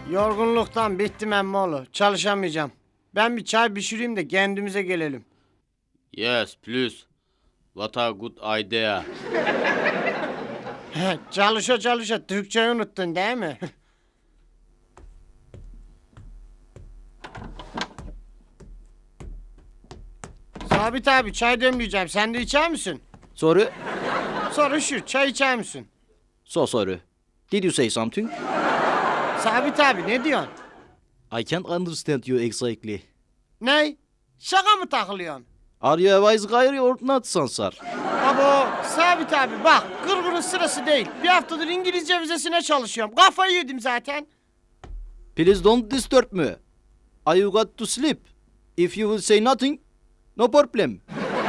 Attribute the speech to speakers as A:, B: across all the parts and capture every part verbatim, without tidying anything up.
A: Yorgunluktan bittim emmoğlu. Çalışamayacağım. Ben bir çay pişireyim de kendimize gelelim.
B: Yes, please. What a good idea.
A: Çalışa çalışa Türkçeyi unuttun değil mi? Sabit abi çay demleyeceğim. Sen de içer misin?
C: Sorry.
A: Soru şu, çay içer misin?
C: So sorry. Did you say something?
A: Sabit abi ne diyorsun?
C: I can't understand you exactly.
A: Ney? Şaka mı takılıyorsun?
C: Are you a wise guy or not, Sansar?
A: Abo Sabit abi bak gırgırın sırası değil. Bir haftadır İngilizce vizesine çalışıyorum. Kafayı yedim zaten.
C: Please don't disturb me. I got to sleep. If you will say nothing, no problem.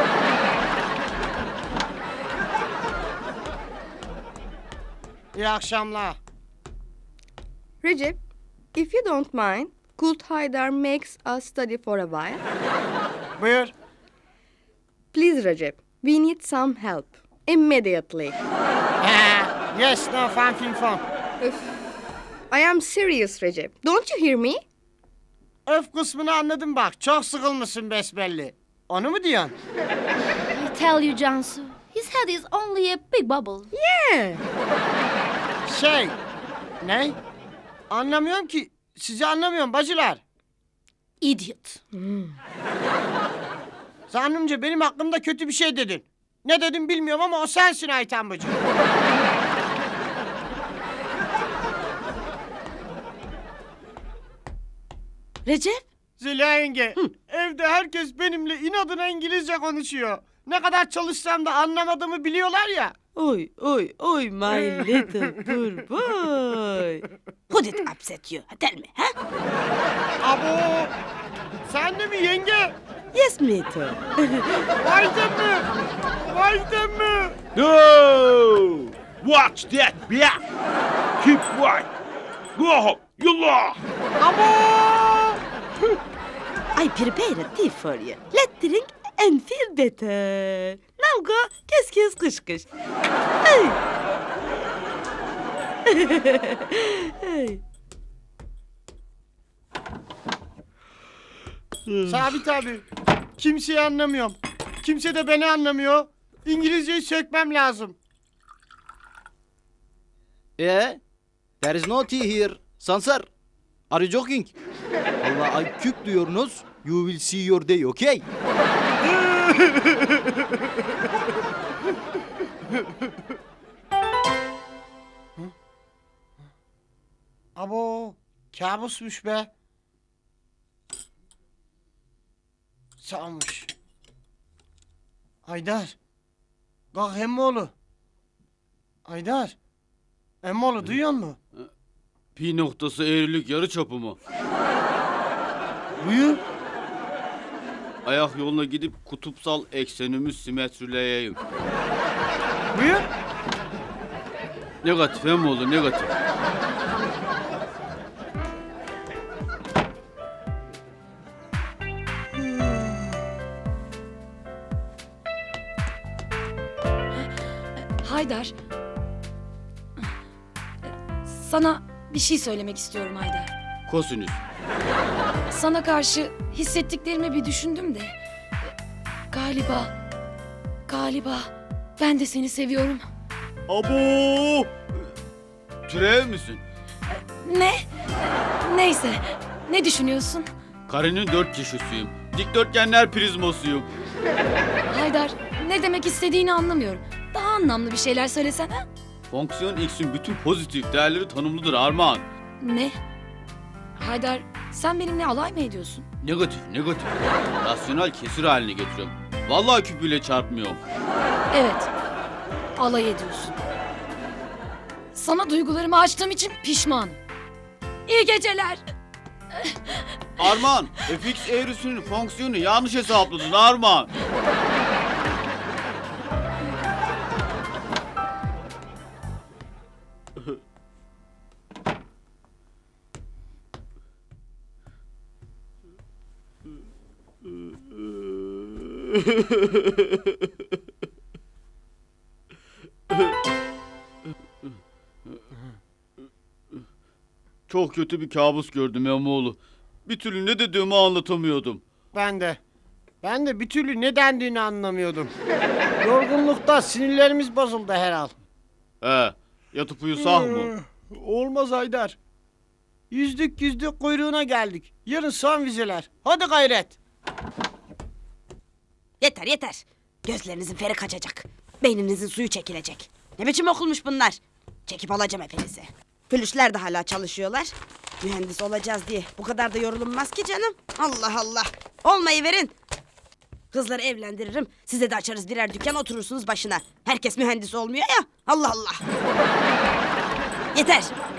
A: İyi akşamlar.
D: Recep, if you don't mind, could Haydar makes us study for a while?
A: Buyur.
D: Please, Recep, we need some help. Immediately.
A: Ha, yes, no, fun, fin, fun.
D: I am serious, Recep. Don't you hear me?
A: Öf kısmını anladım bak. Çok sıkılmışsın besbelli. Onu mu diyorsun?
E: I tell you, Cansu, his head is only a big bubble.
D: Yeah.
A: Şey, ne? Anlamıyorum ki. Sizi anlamıyorum bacılar.
E: Idiot.
A: Zannımca benim hakkımda kötü bir şey dedin. Ne dedim bilmiyorum ama o sensin Ayten bacı.
E: Recep?
A: Zeliha yenge, evde herkes benimle inadına İngilizce konuşuyor. Ne kadar çalışsam da anlamadığımı biliyorlar ya.
F: Oy, oy, oy, my little poor boy. Who did upset you? Tell me, huh?
A: Abo, sen de mi yenge?
F: Yes, me too.
A: Ayten mi? Ayten mi?
B: No! Watch that back! Keep quiet! Go home! Yallah!
A: Abo!
F: I prepared a tea for you. Let's drink and feel better. Now go, kiss, kiss, kış, kış. Hey. Hey.
A: Sabit abi, kimseyi anlamıyorum. Kimse de beni anlamıyor. İngilizceyi sökmem lazım.
C: Yeah? There is no tea here. Sansar, are you joking? Allah, I cook diyorsunuz. You will see your day, okay?
A: Abo, kabusmuş be. Sağmış. Aydar. Kalk emmoğlu. Aydar. Emmoğlu duyuyor musun?
B: Pi noktası eğrilik yarı çapı mı?
A: Buyur.
B: Ayak yoluna gidip kutupsal eksenimi simetrileyeyim.
A: Buyur.
B: Negatif hem olur negatif.
G: Haydar. Sana bir şey söylemek istiyorum Haydar.
B: Kosinüs.
G: Sana karşı hissettiklerimi bir düşündüm de. Galiba, galiba ben de seni seviyorum.
B: Abo! Türev misin?
G: Ne? Neyse, ne düşünüyorsun?
B: Karenin dört kişisiyim. Dikdörtgenler prizmasıyım.
G: Haydar, ne demek istediğini anlamıyorum. Daha anlamlı bir şeyler söylesene.
B: Fonksiyon X'in bütün pozitif değerleri tanımlıdır Armağan.
G: Ne? Haydar, sen benimle alay mı ediyorsun?
B: Negatif, negatif. Rasyonel kesir haline getiriyorum. Vallahi küpüyle çarpmıyorum.
G: Evet, alay ediyorsun. Sana duygularımı açtığım için pişmanım. İyi geceler.
B: Armağan, F X eğrisinin fonksiyonu yanlış hesapladın Armağan. Çok kötü bir kabus gördüm Emoğlu. Bir türlü ne dediğimi anlatamıyordum.
A: Ben de. Ben de bir türlü ne dendiğini anlamıyordum. Yorgunlukta sinirlerimiz bozuldu herhal.
B: He, yatıp uyusak mı?
A: Ee, Olmaz Haydar. Yüzdük yüzdük kuyruğuna geldik. Yarın son vizeler. Hadi gayret.
F: Yeter yeter. Gözlerinizin feri kaçacak. Beyninizin suyu çekilecek. Ne biçim okulmuş bunlar? Çekip alacağım hepinizi. Flüşler de hala çalışıyorlar. Mühendis olacağız diye bu kadar da yorulunmaz ki canım. Allah Allah. Olmayı verin. Kızları evlendiririm. Size de açarız birer dükkan, oturursunuz başına. Herkes mühendis olmuyor ya. Allah Allah. Yeter.